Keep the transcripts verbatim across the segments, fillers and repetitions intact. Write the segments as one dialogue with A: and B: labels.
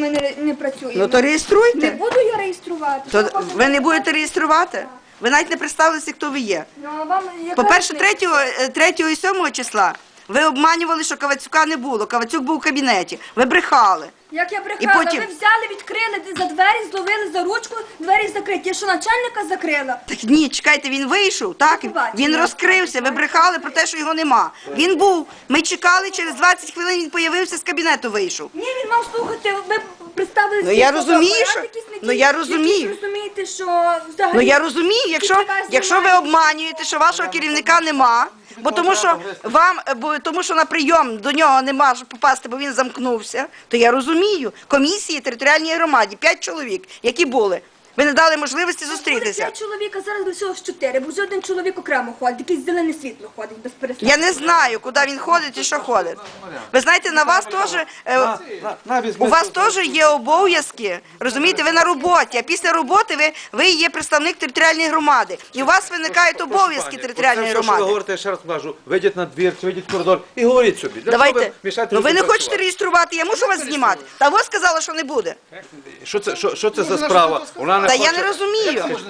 A: ми не, не працюємо.
B: Ну то реєструйте.
A: Не буду я реєструвати.
B: То
A: Що
B: ви не будете реєструвати? Ви навіть не представилися, хто ви є.
A: Ну, а вам яка
B: По-перше,
A: різниця?
B: третього і сьомого числа ви обманювали, що Кавацюка не було. Кавацюк був у кабінеті. Ви брехали.
A: Як я брехала,
B: потім-
A: ви взяли, відкрили за двері, зловили за ручку, двері закриті. Я що, начальника закрила?
B: Так ні, чекайте, він вийшов, так?
A: побачення.
B: Він розкрився, ви брехали про те, що його нема. Він був. Ми чекали, через двадцять хвилин він появився, з кабінету вийшов.
A: Ні, він мав слухати, ви представили
B: Ну,
A: свій
B: я розумію,
A: фотоапарат,
B: що-
A: якийсь не
B: ну,
A: ті,
B: я
A: якийсь
B: розумію.
A: розумієте, що взагалі...
B: Ну я розумію, якщо,
A: Тільки вас
B: якщо ви
A: знімають.
B: обманюєте, що вашого керівника нема, бо тому що вам, бо тому що на прийом до нього не може попасти, бо він замкнувся, то я розумію. Комісії територіальній громаді, п'ять чоловік, які були. Ви не дали можливості
A: Буде
B: зустрітися.
A: п'ять чоловік, а зараз лише ось чотири, бо вже один чоловік окремо ходить, якесь зелене світло ходить без перестанку.
B: Я не знаю, куди він ходить і що ходить. Ви знаєте, на вас теж е, у вас теж є обов'язки. Розумієте, ви на роботі, а після роботи ви, ви є представник територіальної громади. І у вас виникають обов'язки територіальної
C: Що ви
B: громади.
C: говорите, я ще раз кажу, вийдіть на двір, чи вийдіть в коридор і говоріть собі. Для чого
B: Давайте.
C: мішаєте
B: Ну ви не
C: людям
B: хочете
C: працювати?
B: реєструвати, я мушу вас знімати. Та ви сказала, що не буде.
C: Що це, що, що це за справа? Вона не
B: Та я
C: хоче-
B: не розумію.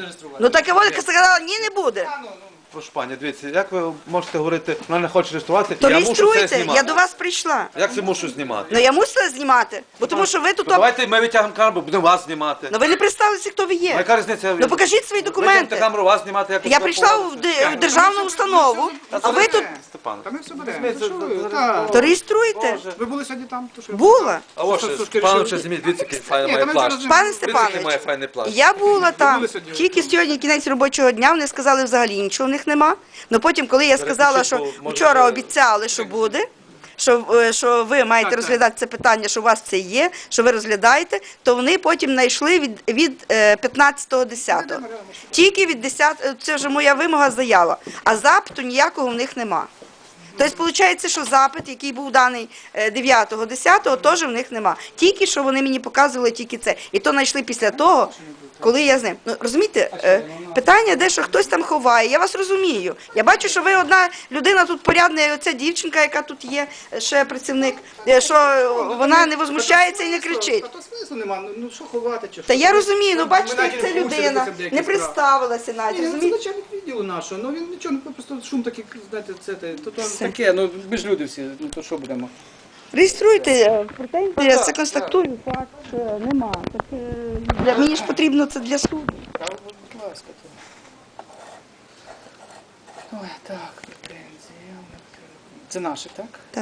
B: Ну так і вона сказала, ні, не буде.
C: Прошу пані, дивіться, як ви можете говорити, вона не хоче реєструвати,
B: То
C: я мушу це
B: реєструйте,
C: знімати.
B: я до вас прийшла.
C: Як це мушу знімати?
B: Ну я мусила знімати, бо тому що ви тут...
C: Ну, давайте ми витягнемо камеру, будемо вас знімати.
B: Ну ви не представилися, хто ви
C: Ну,
B: є.
C: яка різниця?
B: Ну покажіть свої
C: Витягнете
B: документи.
C: камеру, вас знімати, як ви
B: Я
C: себе
B: прийшла в,
C: поводите.
B: ди- в державну установу, а ви тут...
C: Степан.
D: Та ми все беремо. Що ви? Так.
B: То реєструйте.
D: Ви були сьогодні там? То що?
B: Була.
C: А ось,
D: Що, що,
C: Степанович,
D: що?
C: зніміть, дивіться, який файний
D: Ні,
C: має
D: та ми
C: плащ.
D: зараз-
B: Пане
C: Дивіться, який має
B: Степанович,
C: файний плащ.
B: я була там,
D: були сьогодні?
B: тільки сьогодні кінець робочого дня, вони сказали взагалі нічого в них нема. Ну потім, коли я сказала, що
C: Перепишіть, бо, може,
B: вчора
C: ви-
B: обіцяли, що буде, що, е, що ви маєте
D: Так,
B: розглядати це питання, що у вас це є, що ви розглядаєте, то вони потім знайшли від, від е, п'ятнадцятого десятого. Тільки від десятого, це вже моя вимога, заява. А запиту ніякого в них нема. Тобто, виходить, що запит, який був даний дев'ятого десятого, теж в них нема. Тільки що вони мені показували тільки це. І то знайшли після того, коли я з ним. Ну, розумієте, е, питання, де що хтось там ховає, я вас розумію. Я бачу, що ви одна людина тут порядна, і оця дівчинка, яка тут є, ще працівник, е, що вона не возмущається і не кричить.
D: Та то смислу нема, ну, ну що ховати чи що?
B: Та я розумію, ну
D: Ми
B: бачите,
D: навіть
B: як це
D: не в курсі,
B: людина,
D: це деякі
B: не
D: справи.
B: представилася навіть,
D: Ні, ну, це
B: розумієте?
D: начальник відділу нашого, ну він нічого, ну просто шум такий, знаєте, це, те, то, то
B: Все.
D: таке, ну ми ж люди всі, ну то що будемо?
B: Реєструйте е, претензії, я це констатую, факт е, нема. Так, е, для мені ж потрібно це для суду.
D: Та, будь ласка, то. Ой, так, претензії. Це наші, так?